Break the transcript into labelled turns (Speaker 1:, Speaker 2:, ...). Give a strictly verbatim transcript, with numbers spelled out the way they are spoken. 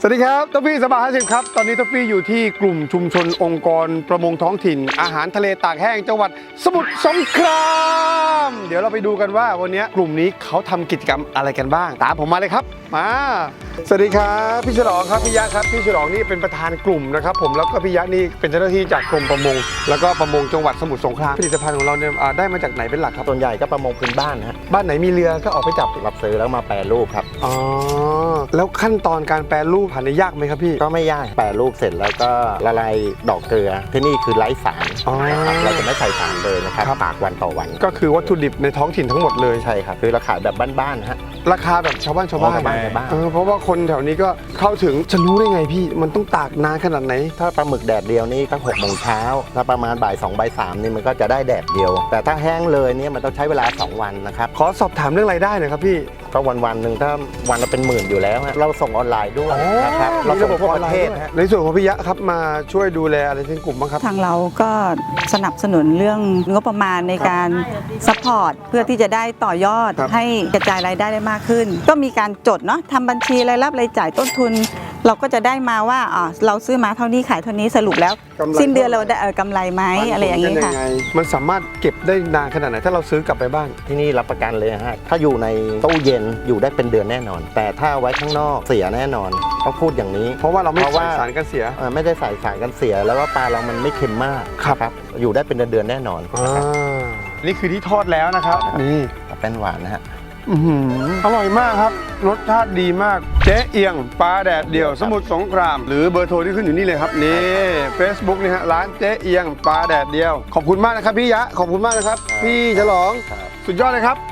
Speaker 1: สวัสดีครับท็อฟฟี่สบายห้าสิบครับตอนนี้ท็อฟฟี่อยู่ที่กลุ่มชุมชนองค์กรประมงท้องถิ่นอาหารทะเลตากแห้งจังหวัดสมุทรสงครามเดี๋ยวเราไปดูกันว่าวันนี้กลุ่มนี้เขาทำกิจกรรมอะไรกันบ้างตามผมมาเลยครับมาสวัสดีครับพี่ฉลองครับพี่ยะครับพี่ฉลองนี่เป็นประธานกลุ่มนะครับผมแล้วก็พี่ยะนี่เป็นเจ้าหน้าที่จากกรมประมงแล้วก็ประมงจังหวัดสมุทรสงครามผลิตภัณฑ์ของเราเนี่ยได้มาจากไหนเป็นหลักครับ
Speaker 2: ส่วนใหญ่ก็ประมงพื้นบ้านนะฮะ
Speaker 1: บ้านไหนมีเรือก็ออกไปจับ
Speaker 2: รับซื้อแล้วมาแปรรูปครับ
Speaker 1: อ๋อแล้วขั้นตอนการแปรรูปผ่านยากไหมครับพี่
Speaker 2: ก็ไม่ยากแปรรูปเสร็จแล้วก็ละลายดอกเกลือที่นี่คือไร้สาร
Speaker 1: อ๋อ
Speaker 2: นะครับเราจะไม่ใส่สารเลยนะครับ
Speaker 1: ครับ
Speaker 2: ตากวันต่อวัน
Speaker 1: ก็คือวัตถุดิบในท้องถิ่นทั้งหมดเลย
Speaker 2: ใช่ครับคือเราขายแบบบ้านๆนะฮะ
Speaker 1: ราคาแบบชาวบ้านชาวบ้าน
Speaker 2: ชาวบ้านชาวบ้าน
Speaker 1: เออเพราะว่าคนแถวนี้ก็เข้าถึงจะรู้ได้ไงพี่มันต้องตากนานขนาดไหน
Speaker 2: ถ้าปลาหมึกแดดเดียวนี่ก็หกโมงเช้าถ้าประมาณบ่ายสองบ่ายสามนี่มันก็จะได้แดดเดียว แต่ถ้าแห้งเลยเนี่ยมันต้องใช้เวลาสองวันนะครับ
Speaker 1: ขอสอบถามเรื่องรายได้หน่อยครับพี่
Speaker 2: ก็วันวันๆหนึ่งถ้าวันละเป็นหมื่นอยู่แล้วฮะเราส่งออนไลน์ด้วยนะครับเราส่งทั่วประเทศฮะ
Speaker 1: ในส่วนของพี่ยะครับมาช่วยดูแลอะไรทั้งกลุ่มบ้างครับ
Speaker 3: ทางเราก็สนับสนุนเรื่องงบประมาณในการซัพพอร์ตเพื่อที่จะได้ต่อยอด
Speaker 1: ครับ
Speaker 3: ให้กระจายรายได้ได้มากขึ้น ก็มีการจดเนาะทำบัญชีรายรับรายจ่ายต้นทุน เราก็จะได้มาว่าอ่าเราซื้อมาเท่านี้ขายเท่านี้สรุปแล้ว
Speaker 1: กำไร
Speaker 3: สิ้นเดือนเราได้เอ่อกำไรไหมอะไรอย่างนี้
Speaker 1: นี้
Speaker 3: ค่ะ
Speaker 1: มันสามารถเก็บได้นานขนาดไหนถ้าเราซื้อกลับไปบ้าน
Speaker 2: ที่นี่รับประกันเลยฮะ ถ้าอยู่ในตู้เย็นอยู่ได้เป็นเดือนแน่นอน แต่ถ้าไว้ข้างนอกเสียแน่นอนต้องพูดอย่างนี้
Speaker 1: เพราะว่าเราไม่
Speaker 2: เพราะ
Speaker 1: ใส่
Speaker 2: ว่า
Speaker 1: สารกันเสีย
Speaker 2: เอ่อไม่ได้ใส่สารกันเสียแล้วก็ปลาเรามันไม่เค็มมาก
Speaker 1: ครับ
Speaker 2: นะอยู่ได้เป็นเดือนๆแน่นอน
Speaker 1: อ่า
Speaker 2: นะครับ
Speaker 1: นี่คือที่ทอดแล้วนะครับนี่
Speaker 2: แป้นหวานนะฮะ
Speaker 1: อื้อหืออร่อยมากครับรสชาติดีมากเจ๊เอียงปลาแดดเดียวสมุทรสงคราม หรือเบอร์โทรที่ขึ้นอยู่นี่เลยครับนี่ Facebook นี่ฮะร้านเจ๊เอียงปลาแดดเดียว ขอบคุณมากนะครับพี่ยะขอบคุณมากนะครับ พี่ฉลอง
Speaker 2: ครับ
Speaker 1: สุดยอดเลยครับ